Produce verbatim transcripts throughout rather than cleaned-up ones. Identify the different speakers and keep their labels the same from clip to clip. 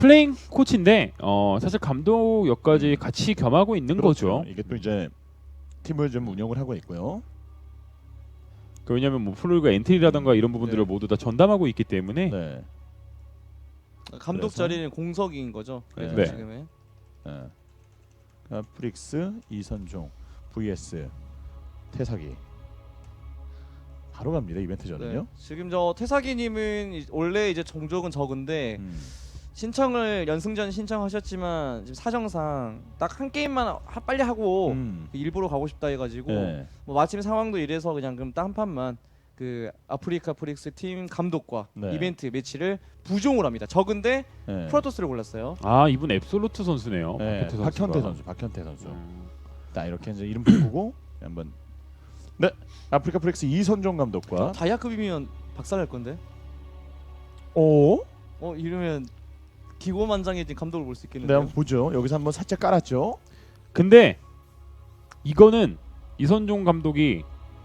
Speaker 1: 플레잉 코치인데 어, 사실 감독 역까지 같이 겸하고 있는
Speaker 2: 그렇죠.
Speaker 1: 거죠.
Speaker 2: 이게 또 이제 팀을 좀 운영을 하고 있고요.
Speaker 1: 그 왜냐하면 뭐 프로리그 엔트리라던가 이런 부분들을
Speaker 3: 네.
Speaker 1: 모두 다 전담하고 있기 때문에
Speaker 2: 네.
Speaker 3: 감독
Speaker 2: 그래서?
Speaker 3: 자리는 공석인 거죠. 그래서
Speaker 2: 네.
Speaker 3: 지금은
Speaker 2: 네. 아, 프릭스 이선종 vs 태사기 바로 갑니다 이벤트 전은요.
Speaker 3: 네. 지금 저 태사기님은 이- 원래 이제 종족은 적은데
Speaker 2: 음.
Speaker 3: 신청을 연승전 신청하셨지만 지금 사정상 딱 한 게임만 하, 빨리 하고
Speaker 2: 음.
Speaker 3: 일부러 가고 싶다 해가지고
Speaker 2: 네.
Speaker 3: 뭐 마침 상황도 이래서 그냥 그럼 딱 한 판만 그 아프리카 프릭스 팀 감독과
Speaker 2: 네.
Speaker 3: 이벤트 매치를 부종을 합니다. 적은데
Speaker 2: 네.
Speaker 3: 프로토스를 골랐어요.
Speaker 1: 아 이분 앱솔루트 선수네요.
Speaker 2: 네.
Speaker 1: 박현태 선수가.
Speaker 2: 박현태 선수, 박현태 선수.
Speaker 1: 음.
Speaker 2: 자 이렇게 이제 이름 바꾸고 한번 네 아프리카 프릭스 이선종 감독과
Speaker 3: 다이아급이면 박살날 건데.
Speaker 2: 오
Speaker 3: 어 이러면 기고만장해진 감독을 볼 수
Speaker 2: 네
Speaker 3: 있겠는데요.
Speaker 2: 한번 보죠. 여기서 한번 살짝 깔았죠.
Speaker 1: 근데 이거는 이선종 감독이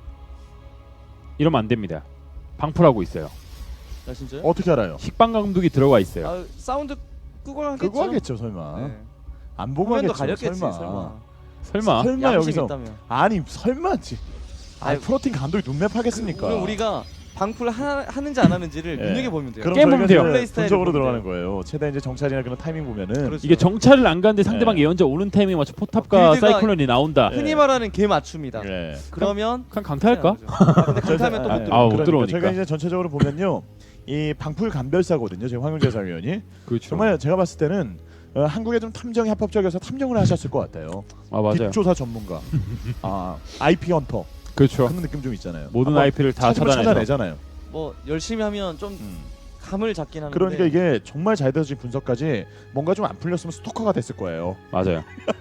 Speaker 1: 이러면 안 됩니다. 방풀하고 있어요.
Speaker 3: 아 진짜요?
Speaker 2: 어떻게 알아요?
Speaker 1: 식빵 감독이 들어가 있어요.
Speaker 3: 아 사운드 끄고 하겠죠.
Speaker 2: 그거 하겠죠 설마.
Speaker 3: 네.
Speaker 2: 안 보고
Speaker 3: 화면도
Speaker 2: 하겠죠.
Speaker 3: 가렸겠지
Speaker 2: 설마.
Speaker 3: 설마.
Speaker 1: 설마?
Speaker 2: 설마
Speaker 3: 양심
Speaker 2: 여기서
Speaker 3: 있다며.
Speaker 2: 아니 설마지. 아
Speaker 3: 아이,
Speaker 2: 프로팀 감독이 눈맵 하겠습니까?
Speaker 3: 그럼 우리가 방풀 하, 하는지 안 하는지를
Speaker 2: 예.
Speaker 3: 눈여겨 보면 돼요.
Speaker 2: 그럼
Speaker 1: 게임
Speaker 2: 저희가
Speaker 1: 보면 돼요.
Speaker 2: 이제
Speaker 3: 플레이 스타일을
Speaker 2: 분석으로
Speaker 3: 보면
Speaker 2: 들어가는 거예요. 최대 이제 정찰이나 그런 타이밍 보면은
Speaker 3: 그렇죠.
Speaker 1: 이게 정찰을 안 가는데 상대방
Speaker 2: 네.
Speaker 1: 예언자 오는 타이밍에 맞춰 포탑과
Speaker 3: 빌드가-
Speaker 1: 사이클론이 나온다.
Speaker 2: 네.
Speaker 3: 흔히 말하는 개 맞춤이다.
Speaker 2: 예.
Speaker 3: 그러면
Speaker 1: 그냥 강타할까?
Speaker 3: 아, 근데 강타하면 또 못
Speaker 2: 아니,
Speaker 3: 들어.
Speaker 1: 아, 못
Speaker 2: 그러니까
Speaker 1: 들어오니까.
Speaker 2: 저희가 이제 전체적으로 보면요, 이 방풀 감별사거든요. 지금 황윤재 사위원이
Speaker 1: 그렇죠.
Speaker 2: 정말 제가 봤을 때는 어, 한국에 좀 탐정이 합법적이어서 탐정을 하셨을 것 같아요.
Speaker 1: 아 맞아요.
Speaker 2: 딥조사 전문가, 아 아이피 헌터
Speaker 1: 그렇죠.
Speaker 2: 그런 느낌 좀 있잖아요.
Speaker 1: 모든
Speaker 2: 한번
Speaker 1: 아이피를 다
Speaker 2: 찾으면
Speaker 1: 차단해서.
Speaker 2: 찾아내잖아요.
Speaker 3: 뭐 열심히 하면 좀
Speaker 2: 음.
Speaker 3: 감을 잡긴 하는데.
Speaker 2: 그러니까 이게 정말 잘 되어진 분석까지 뭔가 좀 안 풀렸으면 스토커가 됐을 거예요.
Speaker 1: 맞아요.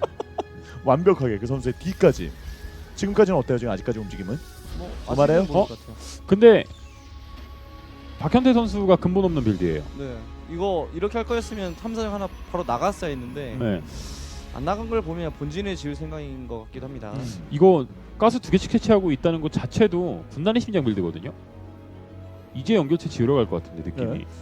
Speaker 2: 완벽하게 그 선수의 뒤까지. 지금까지는 어때요? 지금 아직까지 움직임은?
Speaker 3: 뭐
Speaker 2: 그 말해요?
Speaker 3: 아직은 모를
Speaker 1: 어?
Speaker 3: 것 같아요.
Speaker 1: 근데 박현태 선수가 근본 없는 빌드예요.
Speaker 3: 네. 이거 이렇게 할 거였으면 탐사정 하나 바로 나갔어야 했는데
Speaker 1: 네.
Speaker 3: 안 나간 걸 보면 본진을 지을 생각인 것 같기도 합니다.
Speaker 2: 음.
Speaker 1: 이거 가스 두 개씩 채취하고 있다는 것 자체도 분단의 심장 빌드거든요. 이제 연결체 지으러 갈 것 같은데 느낌이.
Speaker 2: 네.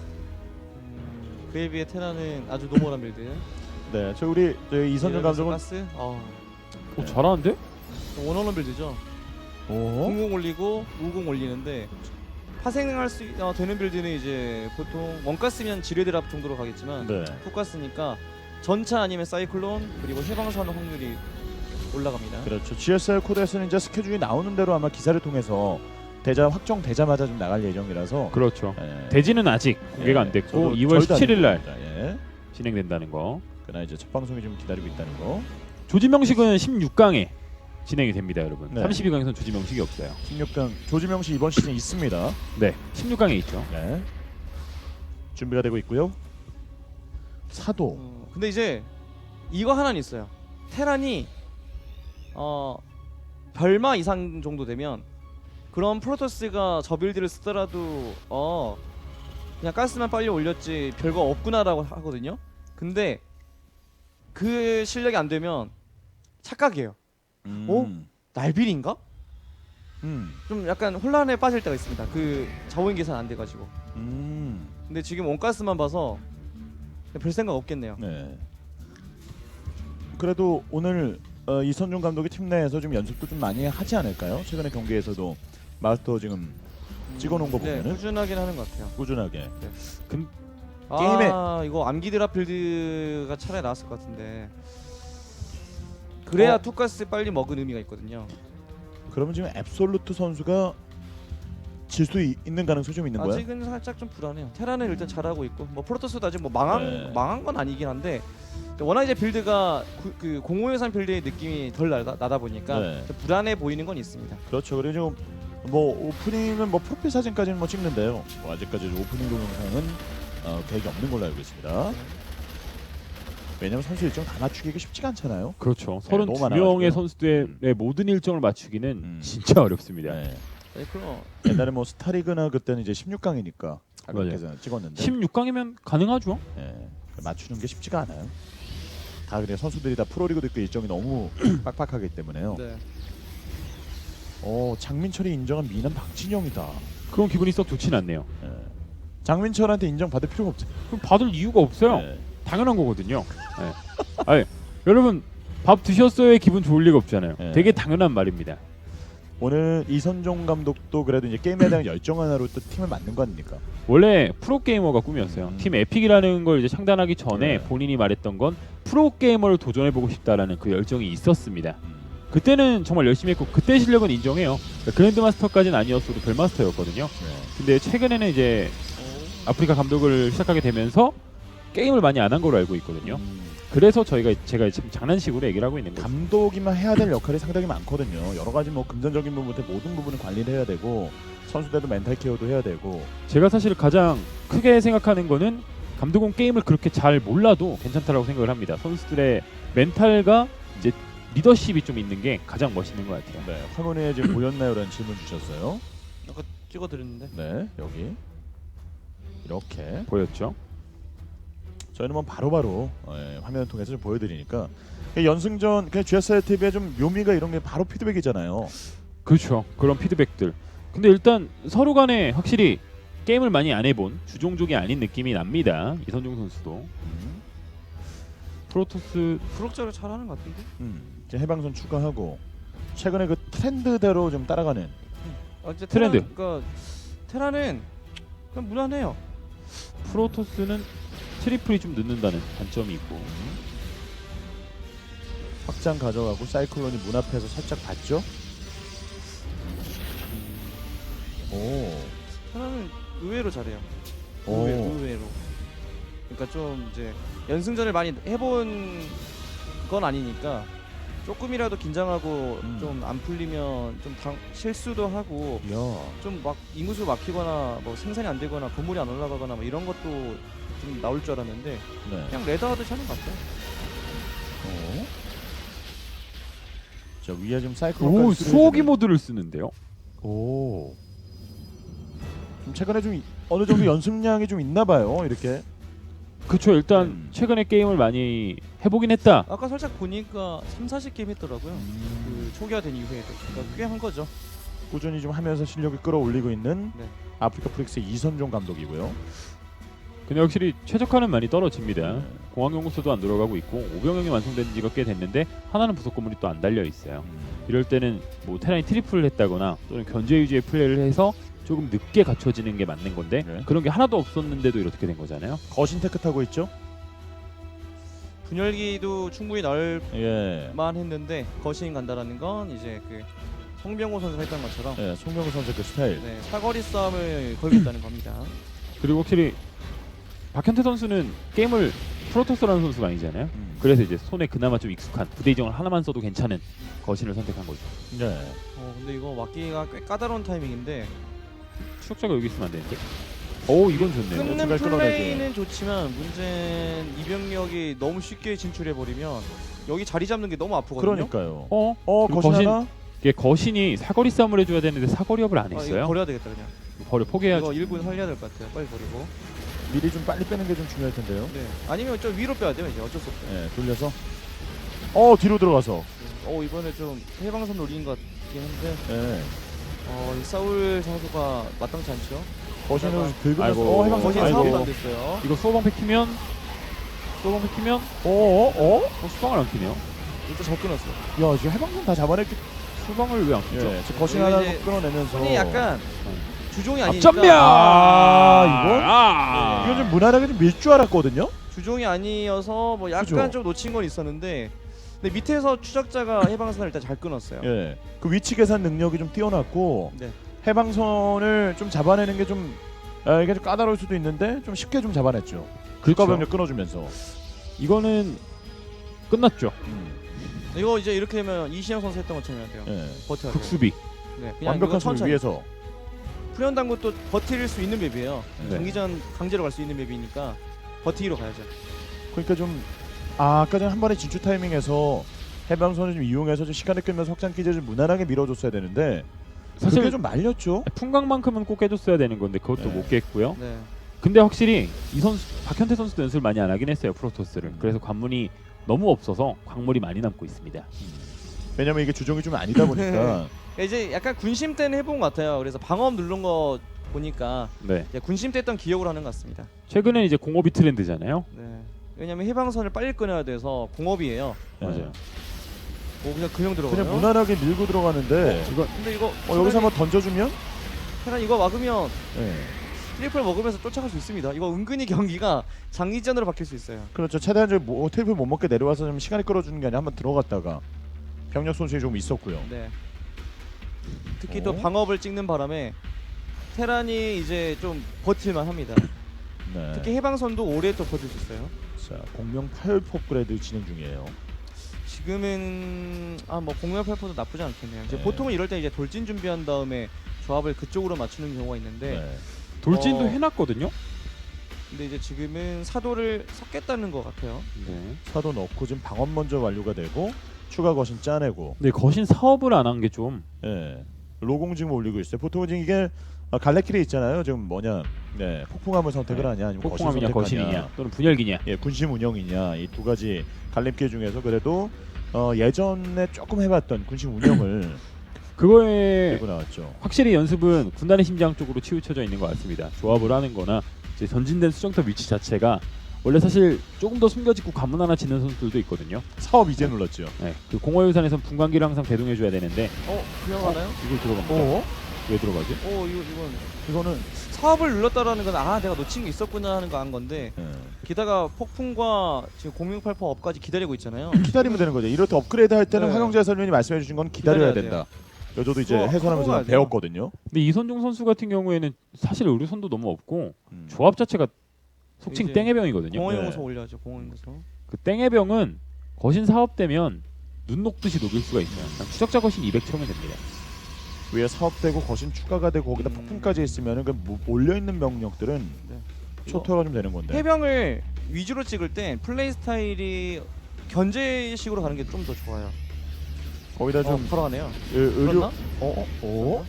Speaker 3: 음, 그에 비해 테라는 아주 노멀한 빌드.
Speaker 2: 네, 저 우리 저 이선준 감독은
Speaker 3: 가스. 어.
Speaker 1: 어, 잘하는데?
Speaker 3: 원원원 빌드죠.
Speaker 2: 오,
Speaker 3: 공공 올리고 우공 올리는데 파생할 수 있- 어, 되는 빌드는 이제 보통 원가스면 지뢰드랍 정도로 가겠지만
Speaker 2: 네,
Speaker 3: 투가스니까 전차 아니면 사이클론 그리고 해방사는 확률이 올라갑니다.
Speaker 2: 그렇죠. 지에스알 코드에서는 이제 스케줄이 나오는 대로 아마 기사를 통해서 대자 확정되자마자 좀 나갈 예정이라서.
Speaker 1: 그렇죠.
Speaker 2: 예.
Speaker 1: 대지는 아직 공개가
Speaker 2: 예,
Speaker 1: 안 됐고
Speaker 2: 저도
Speaker 1: 이월
Speaker 2: 저희도
Speaker 1: 십칠일 날
Speaker 2: 알고 있습니다. 예.
Speaker 1: 진행된다는 거.
Speaker 2: 그러나 이제 첫 방송이 좀 기다리고 있다는 거.
Speaker 1: 조지명식은 십육 강에 진행이 됩니다, 여러분.
Speaker 2: 네.
Speaker 1: 삼십이 강에서는 조지명식이 없어요.
Speaker 2: 십육 강 조지명 씨 이번 시즌 있습니다.
Speaker 1: 네, 십육 강에 있죠.
Speaker 2: 네. 준비가 되고 있고요. 사도.
Speaker 3: 어, 근데 이제 이거 하나는 있어요. 테란이 어 별마 이상 정도 되면 그런 프로토스가 저 빌드를 쓰더라도 어 그냥 가스만 빨리 올렸지 별거 없구나라고 하거든요. 근데 그 실력이 안 되면 착각이에요.
Speaker 2: 음.
Speaker 3: 어? 날빌인가?
Speaker 2: 음.
Speaker 3: 좀 약간 혼란에 빠질 때가 있습니다. 그 자원 계산 안 돼가지고.
Speaker 2: 음.
Speaker 3: 근데 지금 원가스만 봐서 별 생각 없겠네요.
Speaker 2: 네. 그래도 오늘 어, 이선중 감독이 팀 내에서 좀 연습도 좀 많이 하지 않을까요? 최근에 경기에서도 마스터 지금 찍어놓은 거
Speaker 3: 네,
Speaker 2: 보면은
Speaker 3: 꾸준하긴 하는 것 같아요.
Speaker 2: 꾸준하게.
Speaker 1: 근
Speaker 3: 아,
Speaker 2: 게임에-
Speaker 3: 이거 암기 드랍 빌드가 차라리 나왔을 것 같은데. 그래야
Speaker 2: 어?
Speaker 3: 투가스 빨리 먹은 의미가 있거든요.
Speaker 2: 그러면 지금 앱솔루트 선수가 질 수 있는 가능성이 좀 있는 거야?
Speaker 3: 아직은 살짝 좀 불안해요. 테라는 일단 잘하고 있고, 뭐 프로토스도 아직 뭐 망한
Speaker 2: 네.
Speaker 3: 망한 건 아니긴 한데, 워낙 이제 빌드가 구, 그 공호유산 빌드의 느낌이 덜 나다, 나다 보니까
Speaker 2: 네.
Speaker 3: 좀 불안해 보이는 건 있습니다.
Speaker 2: 그렇죠. 그리고 지금 뭐 오프닝은 뭐 프로필 사진까지는 뭐 찍는데요. 뭐 아직까지 오프닝 동영상은 어, 계획이 없는 걸로 알고 있습니다. 왜냐면 선수 일정 다 맞추기가 쉽지가 않잖아요.
Speaker 1: 그렇죠.
Speaker 2: 네, 너무
Speaker 1: 서른두
Speaker 2: 많아가지고요.
Speaker 1: 명의 선수들의 모든 일정을 맞추기는
Speaker 2: 음.
Speaker 1: 진짜 어렵습니다.
Speaker 2: 네.
Speaker 3: 네, 그럼
Speaker 2: 옛날에 뭐 스타리그나 그때는 이제 십육 강이니까 가격에서 찍었는데
Speaker 1: 십육 강이면 가능하죠.
Speaker 2: 예, 맞추는 게 쉽지가 않아요. 다 그래 선수들이 다 프로리그도 있고 일정이 너무 빡빡하기 때문에요.
Speaker 3: 네.
Speaker 2: 어 장민철이 인정한 미남 박진영이다.
Speaker 1: 그런 기분이 썩 좋진 않네요.
Speaker 2: 예. 장민철한테 인정 받을 필요가 없죠.
Speaker 1: 그럼 받을 이유가 없어요.
Speaker 2: 예.
Speaker 1: 당연한 거거든요. 네. 아니, 여러분 밥 드셨어요의 기분 좋을 리가 없잖아요.
Speaker 2: 네.
Speaker 1: 되게 당연한 말입니다.
Speaker 2: 오늘 이선종 감독도 그래도 이제 게임에 대한 열정 하나로 또 팀을 만든 거 아닙니까?
Speaker 1: 원래 프로게이머가 꿈이었어요.
Speaker 2: 음.
Speaker 1: 팀 에픽이라는 걸 이제 창단하기 전에
Speaker 2: 네.
Speaker 1: 본인이 말했던 건 프로게이머를 도전해보고 싶다라는 그 열정이 있었습니다.
Speaker 2: 음.
Speaker 1: 그때는 정말 열심히 했고 그때 실력은 인정해요. 그러니까 그랜드마스터까지는 아니었어도 별마스터였거든요.
Speaker 2: 네.
Speaker 1: 근데 최근에는 이제 아프리카 감독을 시작하게 되면서 게임을 많이 안 한 걸로 알고 있거든요.
Speaker 2: 음.
Speaker 1: 그래서 저희가 제가 지금 장난식으로 얘기를 하고 있는 거죠.
Speaker 2: 감독이만 해야 될 역할이 상당히 많거든요. 여러 가지 뭐 금전적인 부분부터 모든 부분을 관리를 해야 되고 선수들도 멘탈 케어도 해야 되고.
Speaker 1: 제가 사실 가장 크게 생각하는 거는 감독은 게임을 그렇게 잘 몰라도 괜찮다라고 생각을 합니다. 선수들의 멘탈과 이제 리더십이 좀 있는 게 가장 멋있는 것 같아요.
Speaker 2: 네, 화면에 지금 보였나요라는 질문 주셨어요.
Speaker 3: 아까 찍어드렸는데.
Speaker 2: 네, 여기 이렇게
Speaker 1: 보였죠?
Speaker 2: 저희는 뭐 바로바로 예, 화면을 통해서 좀 보여드리니까 연승전 그냥 지에스알 티비의 좀 묘미가 이런 게 바로 피드백이잖아요.
Speaker 1: 그렇죠. 그런 피드백들. 근데 일단 서로 간에 확실히 게임을 많이 안 해본 주종족이 아닌 느낌이 납니다. 이선종 선수도.
Speaker 2: 음,
Speaker 1: 프로토스
Speaker 3: 프록자를 잘하는 것 같은데.
Speaker 2: 음, 이제 해방선 추가하고 최근에 그 트렌드대로 좀 따라가는.
Speaker 3: 아, 이제
Speaker 1: 트렌드.
Speaker 3: 테라, 그러니까 테라는 그냥 무난해요.
Speaker 1: 프로토스는 트리플이 좀 늦는다는 단점이 있고.
Speaker 2: 확장 가져가고 사이클론이 문 앞에서 살짝 봤죠. 오,
Speaker 3: 테라는 의외로 잘해요.
Speaker 2: 오.
Speaker 3: 의외, 의외로. 그러니까 좀 이제 연승전을 많이 해본 건 아니니까 조금이라도 긴장하고
Speaker 2: 음.
Speaker 3: 좀 안 풀리면 좀 당, 실수도 하고
Speaker 2: 야,
Speaker 3: 좀 막 인구수 막히거나 뭐 생산이 안 되거나 건물이 안 올라가거나 뭐 이런 것도 좀 나올 줄 알았는데
Speaker 2: 네.
Speaker 3: 그냥 레더하듯이 하는 것 같아요.
Speaker 2: 어. 저 위에 좀 사이클론까지
Speaker 1: 오,
Speaker 2: 쓰여지는-
Speaker 1: 수호기 모드를 쓰는데요.
Speaker 2: 오. 좀 최근에 좀 이- 어느 정도 연습량이 좀 있나 봐요. 이렇게.
Speaker 1: 그렇죠. 일단
Speaker 2: 음.
Speaker 1: 최근에 게임을 많이 해보긴 했다.
Speaker 3: 아까 살짝 보니까 삼, 사십 게임 했더라고요.
Speaker 2: 음,
Speaker 3: 그 초기화된 이후에도 그러니까 꽤 한 거죠.
Speaker 2: 꾸준히 좀 하면서 실력을 끌어올리고 있는
Speaker 3: 네.
Speaker 2: 아프리카 프릭스의 이선종 감독이고요.
Speaker 1: 근데 확실히 최적화는 많이 떨어집니다.
Speaker 2: 네.
Speaker 1: 공항연구소도 안 들어가고 있고 오병영이 완성된 지가 꽤 됐는데 하나는 부속 건물이 또 안 달려 있어요.
Speaker 2: 음.
Speaker 1: 이럴 때는 뭐 테란이 트리플을 했다거나 또는 견제 위주의 플레이를 해서 조금 늦게 갖춰지는 게 맞는 건데
Speaker 2: 네.
Speaker 1: 그런 게 하나도 없었는데도 이렇게 된 거잖아요.
Speaker 2: 거신 테크 타고 있죠?
Speaker 3: 분열기도 충분히 나올
Speaker 2: 예.
Speaker 3: 만 했는데 거신 간다라는 건 이제 그 송병호 선수가 했던 것처럼
Speaker 2: 예, 송병우 선수 그 스타일.
Speaker 3: 네, 사거리 싸움을 걸겠다는 겁니다.
Speaker 1: 그리고 확실히 박현태 선수는 게임을 프로토스라는 선수가 아니잖아요.
Speaker 2: 음.
Speaker 1: 그래서 이제 손에 그나마 좀 익숙한 부대 이정을 하나만 써도 괜찮은 거신을 선택한 거죠.
Speaker 2: 네.
Speaker 3: 어, 근데 이거 막기가 꽤 까다로운 타이밍인데
Speaker 1: 추적자가 여기 있으면 안 되는데. 오, 이건 좋네요.
Speaker 3: 끊는
Speaker 2: 중간 끊어내죠.
Speaker 3: 플레이는 좋지만 문제는 이병력이 너무 쉽게 진출해 버리면 여기 자리 잡는 게 너무 아프거든요.
Speaker 2: 그러니까요.
Speaker 1: 어?
Speaker 2: 어,
Speaker 1: 그리고
Speaker 2: 거신,
Speaker 1: 거신-
Speaker 2: 하나?
Speaker 1: 이게 거신이 사거리 싸움을 해줘야 되는데 사거리업을 안
Speaker 3: 아, 이거
Speaker 1: 했어요.
Speaker 3: 버려야 되겠다 그냥.
Speaker 1: 버려 포기해야죠.
Speaker 3: 이거 일 분 살려야 될 것 같아요. 빨리 버리고.
Speaker 2: 미리 좀 빨리 빼는 게 좀 중요할 텐데요.
Speaker 3: 네. 아니면 좀 위로 빼야 돼요. 이제 어쩔 수 없어요.
Speaker 2: 예, 돌려서. 어, 뒤로 들어가서.
Speaker 3: 어 이번에 좀 해방선 노린 것 같긴 한데
Speaker 2: 예.
Speaker 3: 어, 이 사울 선수가 마땅치 않죠.
Speaker 2: 거신을
Speaker 3: 아이고.
Speaker 2: 긁으면서
Speaker 1: 아이고.
Speaker 2: 어, 해방선
Speaker 3: 거신
Speaker 1: 아이고.
Speaker 3: 사업도 안 됐어요.
Speaker 1: 이거 소방패 키면 소방패 키면
Speaker 2: 어, 어, 어?
Speaker 1: 어, 수방을 안 키네요.
Speaker 3: 일단 저 끊었어.
Speaker 2: 야, 지금 해방선 다 잡아냈기.
Speaker 1: 수방을 왜 안 키죠?
Speaker 2: 예, 지금 거신
Speaker 3: 이거
Speaker 2: 하나
Speaker 3: 이제
Speaker 2: 끊어내면서.
Speaker 3: 손이 약간 주종이 아니니까
Speaker 1: 앞전면.
Speaker 2: 아, 이거?
Speaker 1: 아,
Speaker 2: 이건 좀 무난하게 좀 밀 줄 알았거든요.
Speaker 3: 주종이 아니어서 뭐 약간
Speaker 2: 그죠?
Speaker 3: 좀 놓친 건 있었는데 근데 밑에서 추적자가 해방선을 일단 잘 끊었어요.
Speaker 2: 예. 그 위치 계산 능력이 좀 뛰어났고
Speaker 3: 네.
Speaker 2: 해방선을 좀 잡아내는 게 좀 아, 이게 좀 까다로울 수도 있는데 좀 쉽게 좀 잡아냈죠.
Speaker 1: 그렇죠.
Speaker 2: 국가병력 끊어주면서.
Speaker 1: 이거는 끝났죠.
Speaker 2: 음.
Speaker 3: 이거 이제 이렇게 되면 이신영 선수 했던 것처럼 해야 돼요.
Speaker 2: 예.
Speaker 3: 버텨야 돼요.
Speaker 1: 극수비.
Speaker 3: 네, 그냥
Speaker 2: 완벽한
Speaker 3: 이거
Speaker 2: 수를
Speaker 3: 천천히.
Speaker 2: 위해서.
Speaker 3: 프리언당구도 버틸 수 있는 맵이에요.
Speaker 1: 네.
Speaker 3: 경기전 강제로 갈 수 있는 맵이니까 버티기로 가야죠.
Speaker 2: 그러니까 좀 아, 아까 전 한 번에 진출 타이밍에서 해방선을 좀 이용해서 좀 시간을 끌면서 확장 기제를 좀 무난하게 밀어줬어야 되는데
Speaker 1: 사실
Speaker 2: 그게 좀 말렸죠.
Speaker 1: 풍광만큼은 꼭 깨줬어야 되는 건데 그것도
Speaker 2: 네.
Speaker 1: 못 깼고요.
Speaker 3: 네.
Speaker 1: 근데 확실히 이 선수 박현태 선수도 연습을 많이 안 하긴 했어요 프로토스를.
Speaker 2: 음.
Speaker 1: 그래서 관문이 너무 없어서 광물이 많이 남고 있습니다.
Speaker 2: 왜냐면 이게 주종이 좀 아니다 보니까
Speaker 3: 이제 약간 군심 때는 해본 것 같아요. 그래서 방어업 누른 거 보니까
Speaker 1: 네.
Speaker 3: 이제 군심 때 했던 기억으로 하는 것 같습니다.
Speaker 1: 최근에 이제 공업이 트렌드잖아요.
Speaker 3: 네. 왜냐면 해방선을 빨리 끊어야 돼서 공업이에요.
Speaker 2: 네.
Speaker 1: 맞아요.
Speaker 3: 뭐 그냥 그냥 들어가요.
Speaker 2: 그냥 무난하게 밀고 들어가는데
Speaker 1: 이거
Speaker 3: 근데 이거
Speaker 2: 어, 여기서 한번 던져주면
Speaker 3: 테란 이거 막으면
Speaker 2: 네.
Speaker 3: 트리플 먹으면서 쫓아갈 수 있습니다. 이거 은근히 경기가 장기전으로 바뀔 수 있어요.
Speaker 2: 그렇죠. 최대한 뭐, 테이블 못 먹게 내려와서 좀 시간을 끌어주는 게 아니라 한번 들어갔다가 병력 손실이 좀 있었고요.
Speaker 3: 네. 특히
Speaker 2: 어?
Speaker 3: 또 방업을 찍는 바람에 테란이 이제 좀 버틸만 합니다.
Speaker 2: 네.
Speaker 3: 특히 해방선도 오래 또 버틸 수 있어요.
Speaker 2: 자, 공명 팔 포그레드 진행 중이에요.
Speaker 3: 지금은 아 뭐 공략 팔포도 나쁘지 않겠네요. 이제
Speaker 2: 네.
Speaker 3: 보통은 이럴 때 이제 돌진 준비한 다음에 조합을 그쪽으로 맞추는 경우가 있는데
Speaker 2: 네.
Speaker 1: 돌진도
Speaker 3: 어.
Speaker 1: 해놨거든요.
Speaker 3: 근데 이제 지금은 사도를 섞겠다는 것 같아요.
Speaker 1: 네.
Speaker 2: 사도 넣고 지금 방업 먼저 완료가 되고 추가 거신 짜내고
Speaker 1: 근데 거신 사업을 안 한 게 좀
Speaker 2: 예. 로공 지금 올리고 있어요. 보통은 지금 이게 아, 갈래길에 있잖아요. 지금 뭐냐, 네, 폭풍함을 선택을
Speaker 1: 네.
Speaker 2: 하냐, 아니면
Speaker 1: 폭풍함이냐
Speaker 2: 거신 선택하냐.
Speaker 1: 거신이냐 또는 분열기냐.
Speaker 2: 예, 군심 운영이냐 이 두 가지 갈림길 중에서 그래도 어, 예전에 조금 해봤던 군심 운영을
Speaker 1: 그거에
Speaker 2: 들고 나왔죠.
Speaker 1: 확실히 연습은 군단의 심장 쪽으로 치우쳐져 있는 것 같습니다. 조합을 하는거나 이제 전진된 수정탑 위치 자체가 원래 사실 조금 더 숨겨짓고 관문 하나 짓는 선수들도 있거든요.
Speaker 2: 사업 이제 눌렀죠.
Speaker 1: 네, 그 공허유산에선 분광기를 항상 배동해줘야 되는데
Speaker 3: 어 그냥 하나요?
Speaker 1: 이걸 들어갑니다.
Speaker 2: 어?
Speaker 1: 왜 들어가지?
Speaker 3: 어 이거 이건
Speaker 2: 이거는
Speaker 3: 사업을 눌렀다라는 건 아 내가 놓친 게 있었구나 하는 거 한 건데
Speaker 2: 예.
Speaker 3: 게다가 폭풍과 지금 공룡팔포 업까지 기다리고 있잖아요.
Speaker 2: 기다리면 되는 거죠. 이렇게 업그레이드 할 때는
Speaker 3: 네.
Speaker 2: 황영재 해설위원이 말씀해 주신 건 기다려야
Speaker 3: 기다려야
Speaker 2: 된다. 저도 이제
Speaker 3: 그거
Speaker 2: 해설하면서
Speaker 3: 하고 가야 돼요.
Speaker 2: 배웠거든요.
Speaker 1: 근데 이선종 선수 같은 경우에는 사실 의료선도 너무 없고
Speaker 2: 음.
Speaker 1: 조합 자체가 속칭
Speaker 3: 이제
Speaker 1: 땡해병이거든요.
Speaker 3: 공허용서
Speaker 2: 네.
Speaker 3: 올려야죠. 공허용서.
Speaker 1: 그 땡해병은 거신 사업되면 눈 녹듯이 녹일 수가 있어요. 그냥 추적자 거신 이백 채우면 됩니다.
Speaker 2: 위에 사업되고 거신 추가가 되고 거기다
Speaker 3: 음.
Speaker 2: 폭풍까지 있으면은 그 몰려 있는 병력들은
Speaker 3: 네.
Speaker 2: 초토화가 좀 되는 건데.
Speaker 3: 해병을 위주로 찍을 땐 플레이 스타일이 견제식으로 가는 게 좀 더 좋아요.
Speaker 2: 거기다
Speaker 3: 어,
Speaker 2: 좀
Speaker 3: 걸어가네요.
Speaker 2: 의- 의료
Speaker 3: 그렇나?
Speaker 2: 어? 어? 어?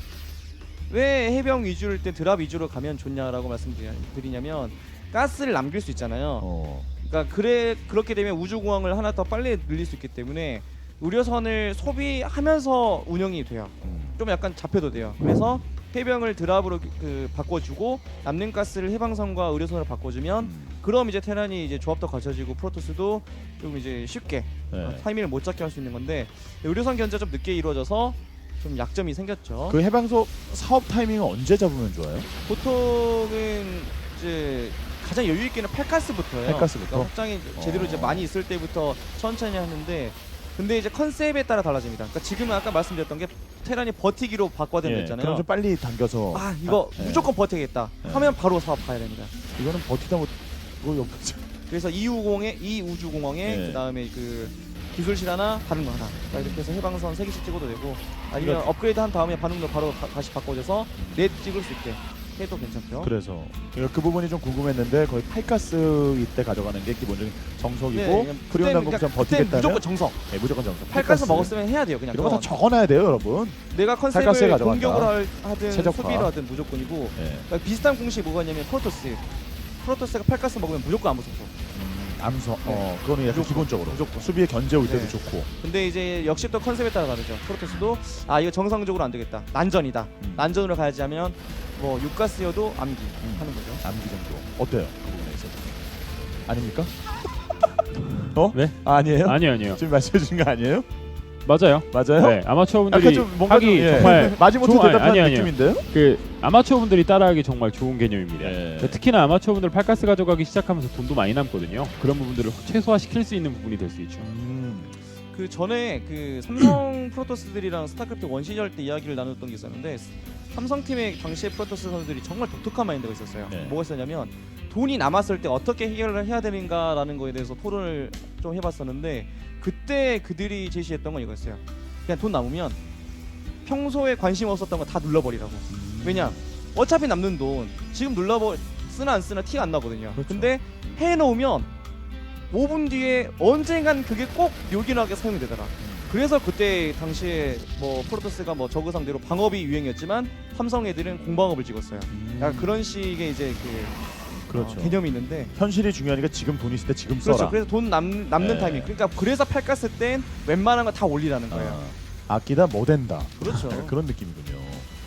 Speaker 3: 왜 해병 위주일 때 드랍 위주로 가면 좋냐라고 말씀드리냐면 가스를 남길 수 있잖아요.
Speaker 2: 어.
Speaker 3: 그러니까 그래 그렇게 되면 우주공항을 하나 더 빨리 늘릴 수 있기 때문에 의료선을 소비하면서 운영이 돼요.
Speaker 2: 음.
Speaker 3: 좀 약간 잡혀도 돼요. 그래서 해병을 드랍으로 그 바꿔주고 남는 가스를 해방선과 의료선으로 바꿔주면
Speaker 2: 음.
Speaker 3: 그럼 이제 테란이 이제 조합도 갖춰지고 프로토스도 좀 이제 쉽게
Speaker 2: 네.
Speaker 3: 어, 타이밍을 못 잡게 할 수 있는 건데 의료선 견제가 좀 늦게 이루어져서 좀 약점이 생겼죠.
Speaker 2: 그 해방소 사업 타이밍은 언제 잡으면 좋아요?
Speaker 3: 보통은 이제 가장 여유 있게는 팔가스부터예요.
Speaker 2: 팔가스부터?
Speaker 3: 그러니까 확장이 제대로 이제
Speaker 2: 어.
Speaker 3: 많이 있을 때부터 천천히 하는데 근데 이제 컨셉에 따라 달라집니다. 그러니까 지금은 아까 말씀드렸던 게 테란이 버티기로 바꿔야 된다
Speaker 2: 예,
Speaker 3: 했잖아요.
Speaker 2: 그럼 좀 빨리 당겨서
Speaker 3: 아 이거
Speaker 2: 아, 예.
Speaker 3: 무조건 버티겠다
Speaker 2: 예.
Speaker 3: 하면 바로 사업 가야 됩니다.
Speaker 2: 이거는 버티다 못 뭐 옆에서
Speaker 3: 그래서 이우공에 이 우주공항에
Speaker 2: 예.
Speaker 3: 그다음에 그 기술실 하나 반응로 하나 그러니까 이렇게 해서 해방선 세 개씩 찍어도 되고 아니면
Speaker 2: 그렇죠.
Speaker 3: 업그레이드 한 다음에 반응로 바로 가- 다시 바꿔줘서 넷 찍을 수 있게 해도 괜찮죠.
Speaker 2: 그래서 그러니까 그 부분이 좀 궁금했는데 거의 팔가스 이때 가져가는 게 기본적인 정석이고
Speaker 3: 네,
Speaker 2: 프리온
Speaker 3: 그땐
Speaker 2: 당국장
Speaker 3: 그러니까 그땐
Speaker 2: 버티겠다면
Speaker 3: 무조건 정성.
Speaker 2: 네, 무조건 정석.
Speaker 3: 팔가스 먹었으면 해야 돼요. 그냥
Speaker 2: 이런 거 다
Speaker 3: 그건.
Speaker 2: 적어놔야 돼요, 여러분.
Speaker 3: 내가
Speaker 2: 팔가스에
Speaker 3: 컨셉을
Speaker 2: 가져간다.
Speaker 3: 공격을 할- 하든
Speaker 2: 최적화.
Speaker 3: 수비를 하든 무조건이고
Speaker 2: 네.
Speaker 3: 그러니까 비슷한 공식이 뭐가 있냐면 프로토스 프로토스가 팔가스 먹으면 무조건 안 무섭고
Speaker 2: 음, 암석.
Speaker 3: 네.
Speaker 2: 어, 그거는 약간
Speaker 3: 무조건,
Speaker 2: 기본적으로.
Speaker 3: 무조건.
Speaker 2: 수비에 견제 올 때도
Speaker 3: 네.
Speaker 2: 좋고.
Speaker 3: 근데 이제 역시 또 컨셉에 따라 다르죠. 프로토스도 아 이거 정상적으로 안 되겠다. 난전이다.
Speaker 2: 음.
Speaker 3: 난전으로 가야지 하면 뭐 육가스여도 암기
Speaker 2: 음.
Speaker 3: 하는 거죠.
Speaker 2: 암기 정도. 어때요? 그 부분에 있어서. 아닙니까? 어?
Speaker 1: 네?
Speaker 2: 아니에요?
Speaker 1: 아니요 아니요.
Speaker 2: 지금 말씀해 주신 거 아니에요?
Speaker 1: 맞아요.
Speaker 2: 맞아요?
Speaker 1: 네, 아마추어
Speaker 2: 약간
Speaker 1: 분들이
Speaker 2: 좀 뭔가
Speaker 1: 하기
Speaker 2: 좀, 예.
Speaker 1: 정말
Speaker 2: 마지못해
Speaker 1: 좋은- 아니,
Speaker 2: 대답하는
Speaker 1: 아니, 아니요.
Speaker 2: 느낌인데요?
Speaker 1: 그 아마추어 분들이 따라하기 정말 좋은 개념입니다.
Speaker 2: 예.
Speaker 1: 그러니까 특히나 아마추어 분들 팔가스 가져가기 시작하면서 돈도 많이 남거든요. 그런 부분들을 최소화시킬 수 있는 부분이 될 수 있죠.
Speaker 2: 음.
Speaker 3: 그 전에 그 삼성 프로토스들이랑 스타크래프트 원 시절 때 이야기를 나눴던 게 있었는데 삼성 팀의 당시의 프로토스 선수들이 정말 독특한 마인드가 있었어요.
Speaker 2: 네.
Speaker 3: 뭐가 있었냐면 돈이 남았을 때 어떻게 해결을 해야 되는가라는 거에 대해서 토론을 좀 해봤었는데 그때 그들이 제시했던 건 이거였어요. 그냥 돈 남으면 평소에 관심 없었던 거 다 눌러버리라고. 왜냐? 어차피 남는 돈 지금 눌러버 쓰나 안 쓰나 티가 안 나거든요.
Speaker 2: 그렇죠.
Speaker 3: 근데 해놓으면 오 분 뒤에 언젠간 그게 꼭 요긴하게 사용이 되더라. 그래서 그때 당시에 뭐 프로토스가 뭐 저그 상대로 방업이 유행이었지만 삼성 애들은 공방업을 찍었어요.
Speaker 2: 음.
Speaker 3: 약간 그런 식의 이제 그
Speaker 2: 그렇죠.
Speaker 3: 어, 개념이 있는데
Speaker 2: 현실이 중요하니까 지금 돈 있을 때 지금
Speaker 3: 그렇죠.
Speaker 2: 써라.
Speaker 3: 그래서 돈 남, 남는
Speaker 2: 네.
Speaker 3: 타이밍. 그러니까 그래서 팔가스 땐 웬만한 거 다 올리라는 거예요.
Speaker 2: 아, 아끼다 뭐 된다.
Speaker 3: 그렇죠.
Speaker 2: 그런 느낌이군요.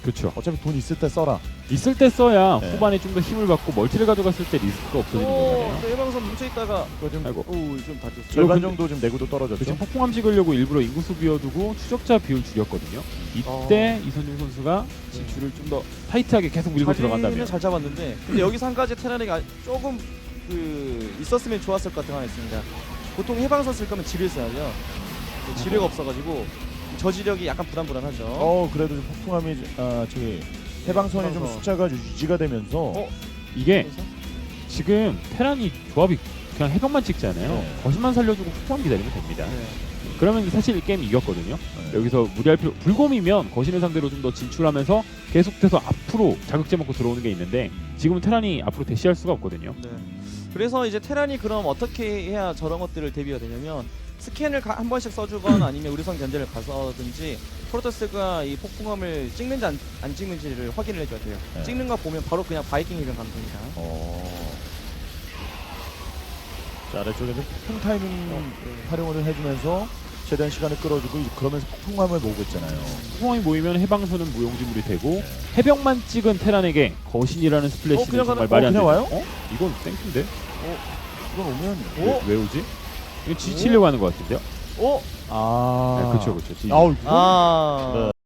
Speaker 1: 그렇죠.
Speaker 2: 어차피 돈 있을 때 써라.
Speaker 1: 있을 때 써야
Speaker 2: 네.
Speaker 1: 후반에 좀 더 힘을 받고 멀티를 가져갔을 때 리스크가 없어지는 거잖아요.
Speaker 3: 또 해방선 뭉쳐있다가
Speaker 2: 그거 좀
Speaker 1: 아이고.
Speaker 3: 오좀 다쳤어요.
Speaker 2: 절반
Speaker 1: 근데-
Speaker 2: 정도 지금 내구도 떨어졌죠.
Speaker 1: 지금 폭풍함 찍으려고 일부러 인구수 비워두고 추적자 비율 줄였거든요. 이때 이선중 선수가 진출을 좀 더 타이트하게 계속 밀고 들어간다면
Speaker 3: 자리는 잘 잡았는데 근데 여기서 한 가지 테라리가 조금 그 있었으면 좋았을 것 같은 거 하나 있습니다. 보통 해방선 쓸 거면 지뢰 써야죠. 근데 지뢰가 없어가지고 저지력이 약간 불안불안하죠.
Speaker 2: 어 그래도 좀 폭풍함이 아 저기 해방선이 좀
Speaker 3: 해방선.
Speaker 2: 숫자가 유지가 되면서
Speaker 3: 어?
Speaker 1: 이게
Speaker 3: 그래서?
Speaker 1: 지금 테란이 조합이 그냥 해병만 찍잖아요.
Speaker 2: 네.
Speaker 1: 거신만 살려주고 폭풍함 기다리면 됩니다.
Speaker 3: 네.
Speaker 1: 그러면 사실 게임 이겼거든요.
Speaker 2: 네.
Speaker 1: 여기서 무리할 필요 불곰이면 거신을 상대로 좀 더 진출하면서 계속해서 앞으로 자극제 먹고 들어오는 게 있는데 지금은 테란이 앞으로 대시할 수가 없거든요.
Speaker 3: 네. 그래서 이제 테란이 그럼 어떻게 해야 저런 것들을 대비가 되냐면 스캔을 가- 한 번씩 써주거나 아니면 의료선 견제를 가서든지 프로토스가 이 폭풍함을 찍는지 안, 안 찍는지를 확인을 해줘야 돼요.
Speaker 2: 네.
Speaker 3: 찍는 거 보면 바로 그냥 바이킹 해변 가면 됩니다.
Speaker 2: 어. 자 아래쪽에는 폭풍 타이밍
Speaker 3: 네.
Speaker 2: 활용을 해주면서 최대한 시간을 끌어주고 이제 그러면서 폭풍함을 모으고 있잖아요.
Speaker 1: 폭풍함이 모이면 해방선은 무용지물이 되고
Speaker 2: 네.
Speaker 1: 해병만 찍은 테란에게 거신이라는 스플래시는
Speaker 3: 어, 그냥
Speaker 1: 정말
Speaker 3: 가는-
Speaker 1: 말이
Speaker 2: 어,
Speaker 1: 안
Speaker 2: 그냥
Speaker 1: 되죠.
Speaker 2: 와요?
Speaker 1: 어? 이건 땡큐인데?
Speaker 2: 이건 오면
Speaker 1: 왜, 왜 오지? 이거 지치려고 하는 것 같은데요?
Speaker 3: 어?
Speaker 2: 아
Speaker 1: 네, 그렇죠, 그렇죠.
Speaker 2: 아우 이거
Speaker 3: 아.
Speaker 2: 네.